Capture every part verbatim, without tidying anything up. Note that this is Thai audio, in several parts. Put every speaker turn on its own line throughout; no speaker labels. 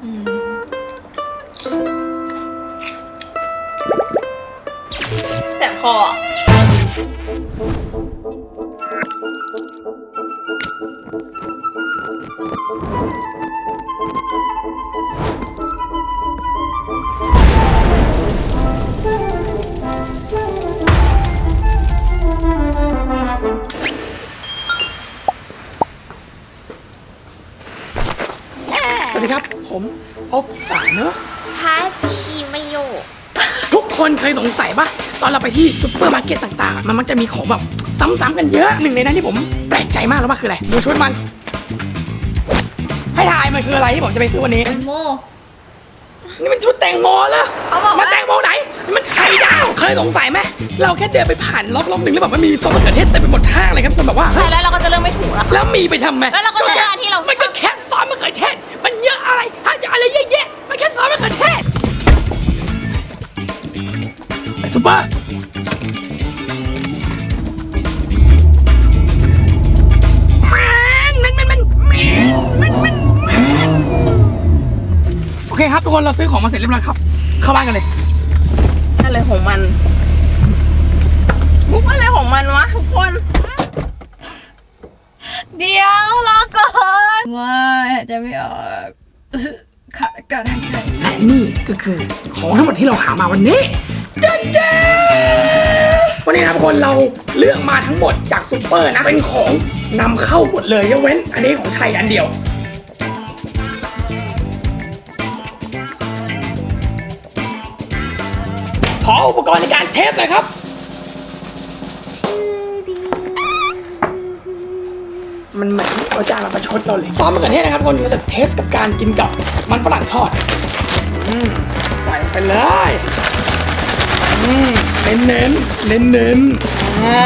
แต่พอ
สวัสดีครับผมอบป่าเนอะ
ทาชิมโย
ทุกคนเคยสงสัยปะตอนเราไปที่ซุปเปอร์มาร์เก็ตต่างๆมันมักจะมีของแบบซ้ำๆกันเยอะหนึ่งในนั้นที่ผมแปลกใจมากแล้วว่าคืออะไรดูชุดมันให้ทายมันคืออะไรที่ผมจะไปซื้อวันนี้
แตงโม
นี่มันชุดแตงโมเหรอ
เขาบอกว่า
มาแตงโมไหนนี่มันไข่ดาวเคยสงสัยไหมเราแค่เดินไปผ่านล็อกล็อกหนึ่งแล้วแบบมันมีซอสมะเขือเทศเต็มไปหมดห้างเลยครับคนแบบว่า
ใช่แล้วเราก็จะเริ่มไม่ถูกแล้ว
แล้วมีไปทำไม
แล้วเราก็จะเลือกอันที่เรา
มันก็แค่ซอสมะเขือเทศมันเยอะอะไรถ้าจะอะไรเยอะแยะมันแค่ซอสมะเขือเทศไปซุปเปอร์มันมันมันมันมันมันมันโอเคครับทุกคนเราซื้อของมาเสร็จเรียบร้อยครับเข้าบ้านกันเลย
อะไรของมันมุกอะไรของมันวะทุกคนเดี๋ยวรอก่อนว่าจะไม่ออกขาดการหายใจ
และนี่ก็คือของทั้งหมดที่เราหามาวันนี้จันเจ้วันนี้นะทุกคนเราเลือกมาทั้งหมดจากซุปเปอร์นะเป็นของนำเข้าหมดเลยยกเว้นอันนี้ของไทยอันเดียวขออุปกรณ์ในการเทสหน่อยครับมันเหมือนเอาจานมาประชดเราเลยซอสมะเขือเทศนะครับทุกคนเราจะเทสกับการกินกับมันฝรั่งทอดอืมใส่ไปเลยอืมเน้นเน้นเน้นเน้นๆอ่า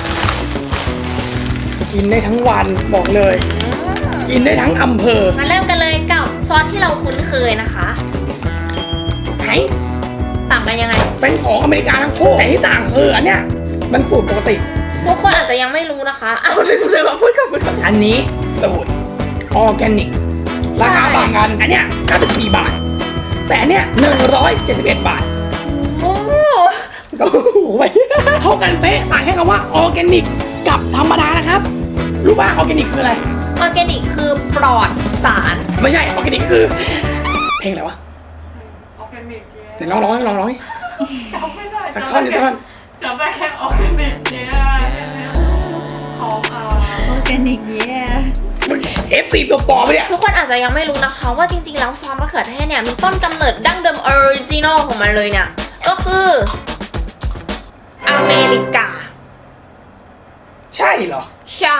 กินได้ทั้งวันบอกเลย กินได้ทั้งอำเภอ
มาเริ่มกันเลยกับซอสที่เราคุ้นเคยนะคะ
ไฮส์
ต่างกันยังไง
เป็นของอเมริกาทั้งคู่แต่ที่ต่างคืออันเนี้ยมันสูตรปกติ
ทุกคนอาจจะยังไม่รู้นะคะ เอาลืมเลยมาพูดกับพูดกับ
อันนี้สูตรออร์แกนิกราคาต่างกันอันเนี้ยเก้าสิบสี่บาท แต่อันเนี้ยหนึ่งร้อยเจ็ดสิบเอ็ดบาท
โอ้
โอ้โหเท่ากันเป๊ะต่างแค่คำว่าออร์แกนิกกับธรรมดานะครับรู้ป่ะออร์แกนิกคืออะไร
ออร์แกนิกคือปลอดสาร
ไม่ใช่ออร์แกนิกคือเพลงอะไรวะออร์แกนิกเดี๋ยวลองร้องลองร้องสักท่อนนึงสักท่อน
จำได้แค่ออร์แกนิกเนี่ยของอ่า
ออร์แกนิกเย่
เอฟซีตัวปลอมไปเนี่ย
ทุกคนอาจจะยังไม่รู้นะคะว่าจริงๆแล้วซอสมะเขือเทศเนี่ยมีต้นกำเนิดดั้งเดิมออริจินอลของมันเลยเนี่ยก็คืออเมริกา
ใช่เหรอ
ใช่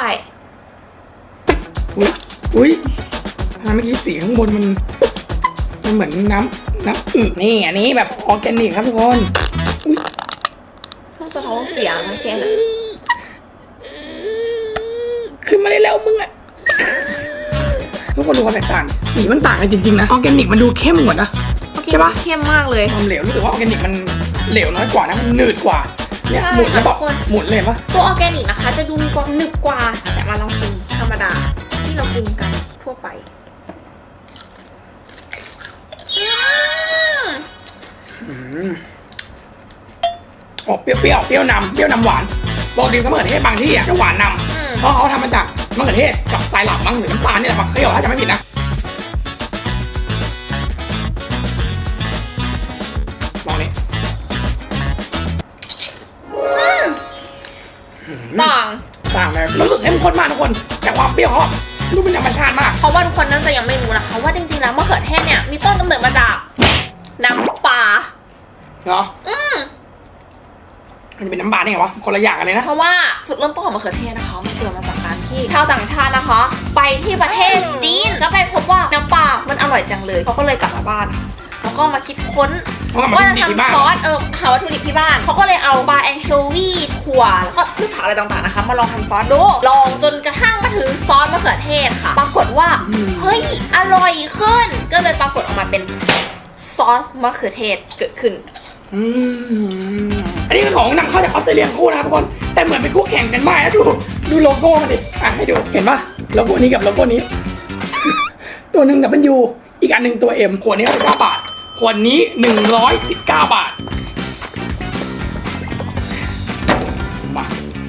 อุ้ยอุ้ยทำไมเมื่อกี้สีข้างบนมันมันเหมือนน้ำน้ำอึนี่อันนี้แบบออร์แกนิกครับทุกคนอุ้ย
ต้องสะท้องเสียงนะแกนะ
ขึ้นมาได้แล้วมึงอะทุกคนดูความแตกต่างสีมันต่างกันจริงๆนะออร์แกนิกมันดูเข้มกว่านะใช่ปะ
เข้มมากเลย
ความเหลวรู้สึกว่าออร์แกนิกมันเหลวน้อยกว่านะมันหนืดกว่าเนี่ย
ใช่
หมุนแล้วแบบ
ทุกคน
หมุนเลยปะ
ตัวออร์แกนิกนะคะจะดูมีความหนึบกว่าแต่มาลองชิมธรรมดาที่เรากินกันทั่วไปอืม
ออกเปรี้ยวๆเปรี้ยวนำเปรี้ยวนำหวานบอกดีเสมอเทศบางที่อ่ะจะหวานนำเพราะเขาทำมาจากมะเขือเทศกับทรายหลับมั้งหรือน้ำตาลนี่แหละมาเคี่ยวถ้าจะไม่ผิดนะลองนี้
ต่าง
ต่างเลยรู้สึกเข้มข้นมากทุกคนแต่ความเปรี้ยวเขาดูเป็นธรรมชาติมาก
เพราะว่าทุกคนน่าจะยังไม่รู้นะคะว่าจริงๆแล้วมะเขือเทศเนี่ยมีต้นกำเนิดมาจากน้ำปลา
เนาะ
อืม
มันจะเป็นน้ำปลาได้ไงวะคนละอย่างกันเลยนะ
เพราะว่าจุดเริ่มต้นของมะเขือเทศนะคะมันเกิดมาจากการที่ชาวต่างชาตินะคะ ไปที่ประเทศจีนแล้วไปพบว่าน้ำปลา มันอร่อยจังเลยเขาก็เลยกลับมาบ้านค่ะแล้วก็มาคิดค้น
เพราะว่ามัน
ว่า
เป็น
จะ
ดีที่บ้าน
ทำซอสเออหาวัตถุดิบที่บ้านเขาก็เลยเอาปลาแองโชวีถั่วแล้วก็พืชผักอะไรต่างๆนะคะมาลองทำซอสดูลองจนกระทั่งมาถึงซอสมะเขือเทศค่ะ ปรากฏว่าเฮ้ยอร่อยขึ้น ก็เลยปรากฏออกมาเป็นซอสมะเขือเทศเกิดขึ้น
อืมอันนี้เป็นของนำเข้าจากออสเตรเลียคู่นะครับทุกคนแต่เหมือนเป็นคู่แข่งกันมากนะดูดูโลโก้มันดิอ่ะให้ดูเห็นปะโลโก้นี้กับโลโก้นี้ ตัวหนึ่ง ดับเบิลยูอีกอันหนึ่งตัว M ขวดนี้สิบเก้าบาทขวดนี้หนึ่งร้อยสิบเก้าบาทมา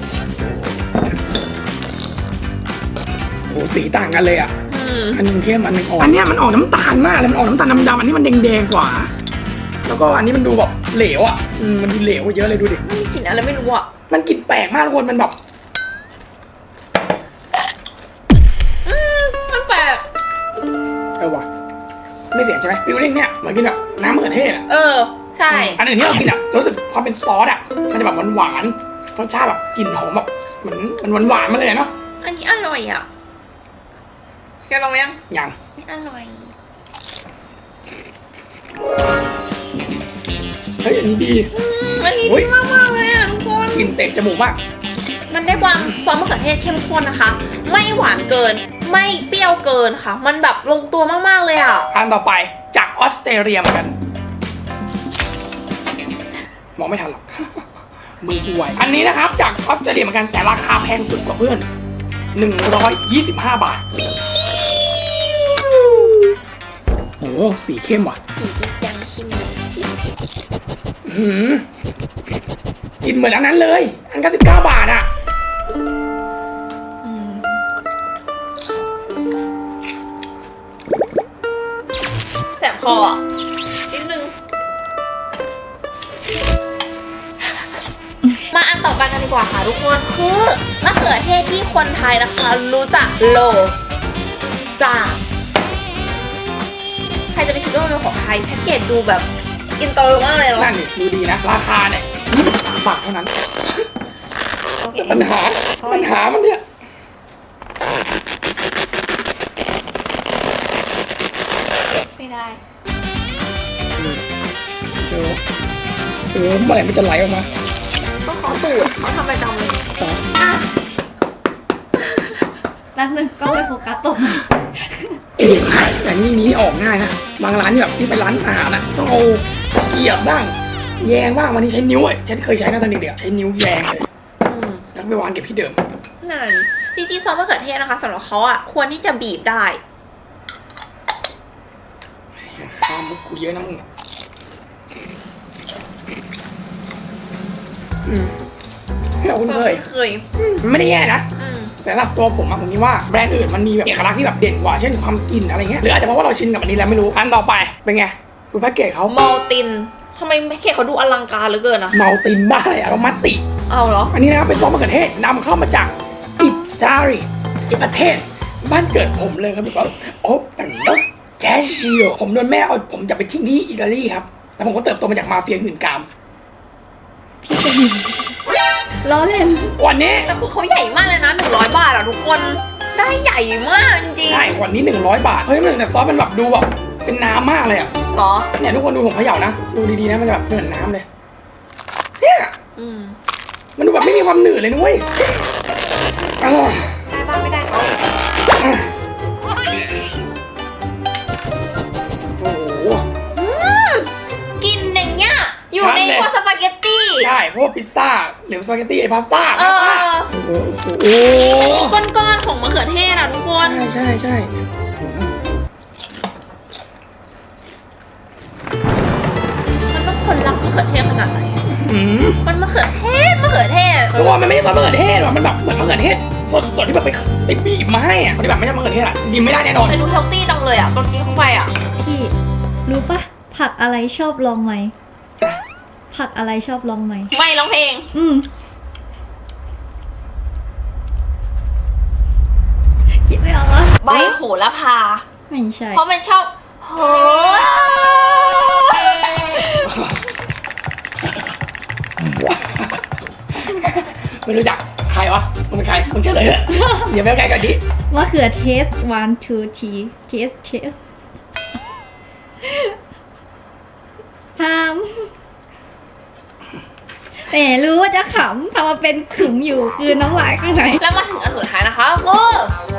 โอ้สีต่างกันเลยอ่ะ
อืม
อันหนึงเข้มอันหนึงอ่อนอันเนี้ยมันออกน้ำตาลมากเลยมันออกน้ำตาลดำๆอันนี้มันแดงๆกว่า แล้วก็อันนี้มันดูแบบเหลวอ่ะอืมมันดูเหลวกว่าเยอะเลยดูดิ
ไม่มีกลิ่นอะไรไม่รู้อ่ะ
มันกลิ่นแปลกมากทุกคนมันแบบ
อืมมันแปลก
เออว่ะไม่เสียใช่ไหมฟิลลิ่งเนี่ยเหมือนกินแบบน้ำมะเขือเทศอ่ะ
เออ ใช่
อันอื่นที่เรากินอ่ะรู้สึกความเป็นซอสอ่ะมันจะแบบหวานๆรสชาติแบบกลิ่นหอมแบบเหมือนมันหวานๆมาเลยเนาะ
อันนี้อร่อยอ่ะแกลองยัง
อย่าง
ไม่อร่อย
เฮ้ยอันนี้ดี
อืมอันนี้
เฮ้
ดี
ย
มากมากๆเลยอ่ะทุกคน
กลิ่นเตะจมูกมาก
มันได้ความซอสมะเขือเทศเข้มข้นนะคะ ไม่หวานเกิน ไม่เปรี้ยวเกินค่ะ มันแบบลงตัวมากๆเลยอ่ะ
อันต่อไปจากออสเตรเลียเหมือนกันมองไม่ทันหรอก มือกูไวอันนี้นะครับจากออสเตรเลียเหมือนกันแต่ราคาแพงสุดกว่าเพื่อนหนึ่งร้อยยี่สิบห้าบาทโอ้โหสีเข้มว่ะ
สีจริงจังชิม
หืมกินเหมือนอันนั้นเลย อันก็สิบเก้าบาทอ่ะ
อืมแสบคออ่ะนิดนึง มาอันต่อไปกันดีกว่าค่ะทุกคนคือมะเขือเทศที่คนไทยนะคะ รู้จักโลซาใครจะไปคิดว่ามันเป็นของไทยแพ็กเกจดูแบบอินเตอร์มากเลยเนาะ
นั่นนี่ดูดีนะ ราคาเนี่ยยี่สิบสามบาทเท่านั้น
โอเค
ปัญหาปัญหามันเนี่ย
ไม่ได้
เออเออเมื่อไหร่มันจะไหลออกมา
ก็ขอสูตรเขาทำประจำเลย
ต่อ
อ่ะ
แป๊บนึงก็ไปโฟกัสตก
เอ๊ะแต่นี่มีออกง่ายนะ บางร้านที่แบบที่ไปร้านอาหารนะต้องเอาเกียบบ้าง แยงบ้างวันนี้ใช้นิ้วอ่ะฉันเคยใช้นะตอนเด็กๆใช้นิ้วแยงเลย
อืม
แล้วก็ไปวางเก็บที่เดิม
นั่นจริงๆซอสมะเขือเทศนะคะสำหรับเขาอ่ะควรที่จะบีบได้
ข้ามมุกกูเยอะนะมึงอะอืมไม่เอาคุณเคย
เคย
มันไม่ได้แย่นะ
อืม
แต่สำหรับตัวผมอะผมคิดว่าแบรนด์อื่นมันมีแบบเอกลักษณ์ที่แบบเด่นกว่าเช่นความกลิ่นอะไรเงี้ยหรืออาจจะเพราะว่าเราชินกับอันนี้แล้วไม่รู้อันต่อไปเป็นไงดูแพ็กเกจเขา
มอลตินทำไมแพ็กเกจเขาดูอลังการเหลือเกินอ่ะ
เมาตินบ้าอะไรอะเรามาติ
เอาเหรอ
อันนี้นะครับเป็นซอสมะเขือเทศนำเข้ามาจากอิตาลีประเทศบ้านเกิดผมเลยครับพี่ป๊อปโอ้เป็นรถแจชิโอผมโดนแม่เอาผมจะไปทิ้งที่อิตาลีครับแล้วผมก็เติบโตมาจากมาเฟียหื่นกาม
พี่จะหินล้อเล่น
วันนี้
แต่คือเขาใหญ่มากเลยนะหนึ่งร้อยบาทอ่ะทุกคนได้ใหญ่มากจริง
ใช่วันนี้หนึ่งร้อยบาทเฮ้ยมันแต่ซอสมันแบบดูแบบเป็นน้ำมากเลยอะ
ๆเหรอ
เนี่ยทุกคนดูผมเขย่านะดูดีๆนะมันจะแบบเหมือนน้ำเลยเนี่ย
อืม
มันดูแบบไม่มีความหนืดเลยนุ้ยอร่อย
ได้บ้างไม่ได้เขา
โอ้โห
อืมกินอย่างเงี้ยอยู่ใน
ชัดเลย
พวกสปาเกตตี้
ใช่พวกพิซซ่าหรือสปาเกตตี้ไอพาสต้า
เอ
พาสต้า
อ
โอ้โห
ก้อนๆของมะเขือเทศอ่ะทุกคน
ใช่ใช่ใช่
มันต้องคนรักมะเขือเทศขนาดไหนอะ
อืม
มันมะเขือเทศมะเขือเทศ
เพราะว่ามันไม่ใช่ซอสมะเขือเทศหรอกมันแบบเหมือนมะเขือเทศสดๆที่แบบไปไปบีบมาให้อะคนที่แบบไม่ใช่มะเขือเทศอะกินไม่ได้แน่นอน
แต่ดูเฮลตี้จังเลยอ่ะตอนกินเข้าไปอ่ะ
พี่รู้ปะผักอะไรชอบลองไหมผักอะไรชอบลองไหม
ไม่ร้องเพลง
อืมคิดไม่ออกวะ
ใบโหระพา
ไม่ใช่
เพราะมันชอบโห
ไม่รู้จักใครวะมึงเป็นใครมึงเฉลยเถอะเดี๋ยวไปเอาไกลก่อนดิ
มะเขือเทส one two three taste taste ห้ามแหมรู้ว่าจะขำทำมาเป็นขึมอยู่คือน้ำลายข้างใน
แล้วมาถึงอันสุดท้ายนะคะคือ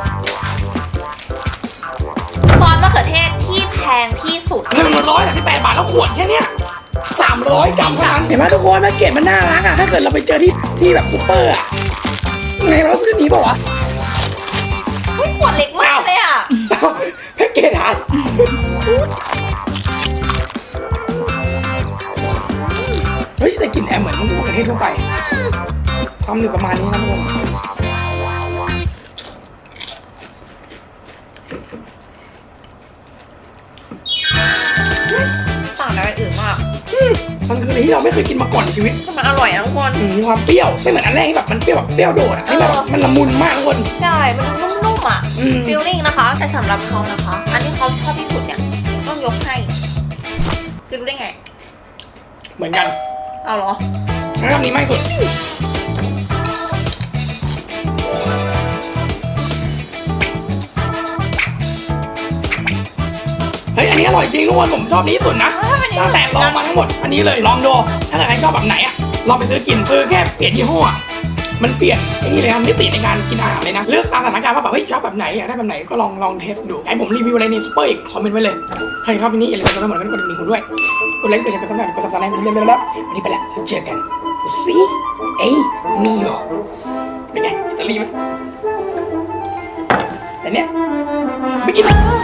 ซอสมะเขือเทศที่แพงที่สุด
หนึ่งร้อยสามสิบแปดบาทแล้วขวดแค่เนี้ยสามร้อยกรัมเท่านั้นเห็นไหมทุกคนแพ็กเกจมันน่ารักอะถ้าเกิดเราไปเจอที่ที่แบบซุปเปอร์อะไงเราซื้อนี้ป่าวะ
เฮ้ยขวดเล็กมากเลยอ่ะ
แพ็กเกจหายเฮ้ยแต่กลิ่นแอมเหมือนมะเขือเทศทั่วไปความหนึบประมาณนี้นะทุกคน
ต่างจากอันอื่นมาก
มันคืออะไรที่เราไม่เคยกินมาก่อนในชีวิต
มันอร่อยนะทุกคน
อืมมีความเปรี้ยวไม่เหมือนอันแรกที่แบบมันเปรี้ยวแบบเปรี้ยวโดดอ่ะนี่แบบมันละมุนมากทุกคน
ใช่ มันนุ่มๆอ่ะ
อืม
ฟีลลิ่งนะคะ แต่สำหรับเขานะคะ อันที่เขาชอบที่สุดเนี่ย ต้องยกให้ จะรู้ได้ไง
เหมือนกัน
เอาเหรอ
แล้วอันนี้ไม่สุดเฮ้ยอันนี้อร่อยจริงทุกคนผมชอบนี้ที่สุดนะ
ถ้าเป็น
ตั้งแต่ลองมาทั้งหมดอันนี้เลยลองดูถ้าเกิดใครชอบแบบไหนอ่ะลองไปซื้อกินคือแค่เปลี่ยนยี่ห้ออะมันเปลี่ยนไอ้นี่เลยครับมิติในการกินอาหารเลยนะเลือกตามสถานการณ์ว่าแบบเฮ้ยชอบแบบไหนอยากได้แบบไหนก็ลองลองเทสดูให้ผมรีวิวอะไรในซูเปอร์อีกคอมเมนต์ไว้เลยใครชอบที่นี่อย่าลืมกดติดตามกดกระดิ่งผมด้วยกดไลค์กดแชร์กดซับสไครต์กดซับสไครต์เรื่อยๆแล้ววันนี้ไปแล้วเจอกันซีเอ้มีโอเป็นไงอิตาลีไหมแต่เนี้ยไม่กิน